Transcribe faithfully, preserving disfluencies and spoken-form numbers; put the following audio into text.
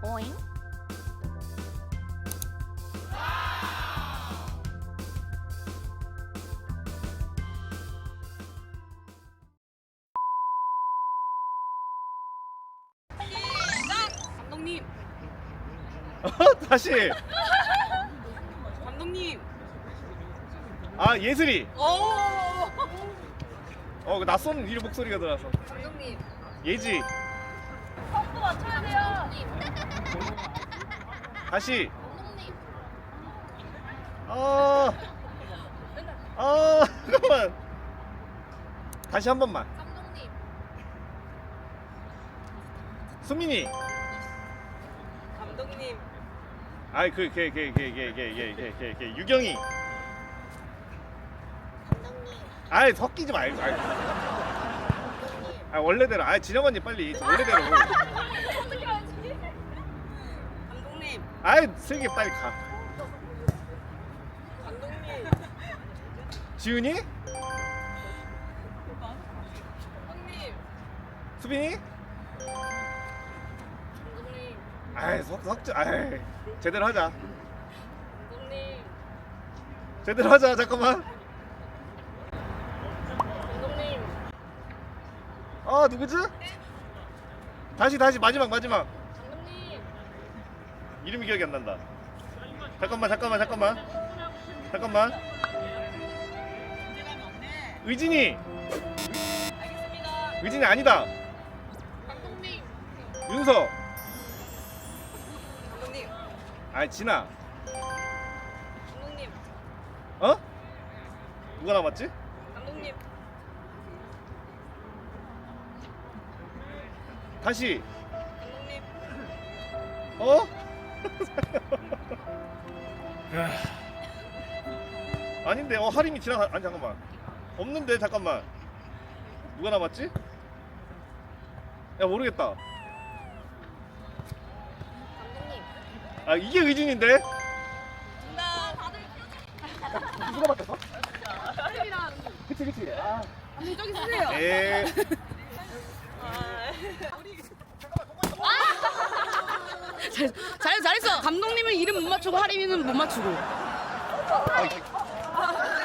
오잉? 감독님, 다시. 감독님. 아 예슬이. 오. 어 그 낯선 이 목소리가 들어서. 감독님. 예지. 선도 맞춰야 돼요. 다시. 감독님. 아. 아 잠깐만. 다시 한 번만. 감독님. 수민이. 감독님. 아이 그걔걔걔걔걔걔걔걔 유경이. 감독님. 아이 섞이지 말고. 아이. 아 원래대로. 아 진영 언니 빨리 원래대로. 어떻게 하지? 감독님. 아이 슬기 빨리 가. 감독님. 지훈이? 감독님. 수빈이? 감독님. 아이 석 석지. 아이 제대로 하자. 감독님. 제대로 하자. 잠깐만. 감독님. 아 누구지? 다시 다시 마지막 마지막. 감독님. 이름이 기억이 안 난다. 잠깐만 잠깐만 잠깐만 잠깐만. 의진이. 알겠습니다. 의진이 아니다. 감독님. 윤서. 감독님. 아 진아. 감독님. 어? 누가 남았지? 감독님. 다시. 감독님. 어? 아닌데 어 하림이 지나가. 아니 잠깐만 없는데 잠깐만 누가 남았지? 야 모르겠다. 감독님. 아 이게 의진인데? 정답. 다들 누가 바뀌었어? 하림이랑 그치 그치. 아. 저기 쓰세요. 에. 잘, 잘 잘했어. 감독님은 이름 못 맞추고 하림이는 못 맞추고. 아,